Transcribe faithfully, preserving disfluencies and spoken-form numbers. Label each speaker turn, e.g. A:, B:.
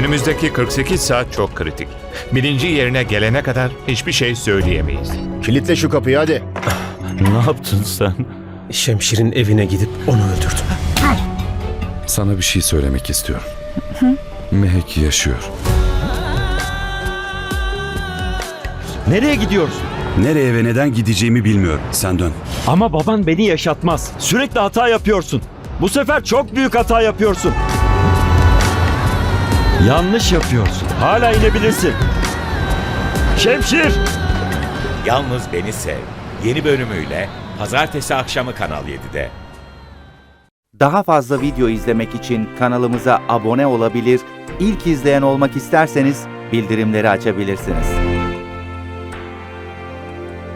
A: Önümüzdeki kırk sekiz saat çok kritik. Birinci yerine gelene kadar hiçbir şey söyleyemeyiz.
B: Kilitle şu kapıyı hadi.
C: Ne yaptın sen?
D: Şemşir'in evine gidip onu öldürdüm.
E: Sana bir şey söylemek istiyorum. Mehek yaşıyor.
C: Nereye gidiyorsun?
F: Nereye ve neden gideceğimi bilmiyorum. Sen dön.
C: Ama baban beni yaşatmaz. Sürekli hata yapıyorsun. Bu sefer çok büyük hata yapıyorsun. Yanlış yapıyorsun. Hala inebilirsin. Şemşir!
G: Yalnız Beni Sev yeni bölümüyle pazartesi akşamı Kanal yedide.
H: Daha fazla video izlemek için kanalımıza abone olabilir, ilk izleyen olmak isterseniz bildirimleri açabilirsiniz.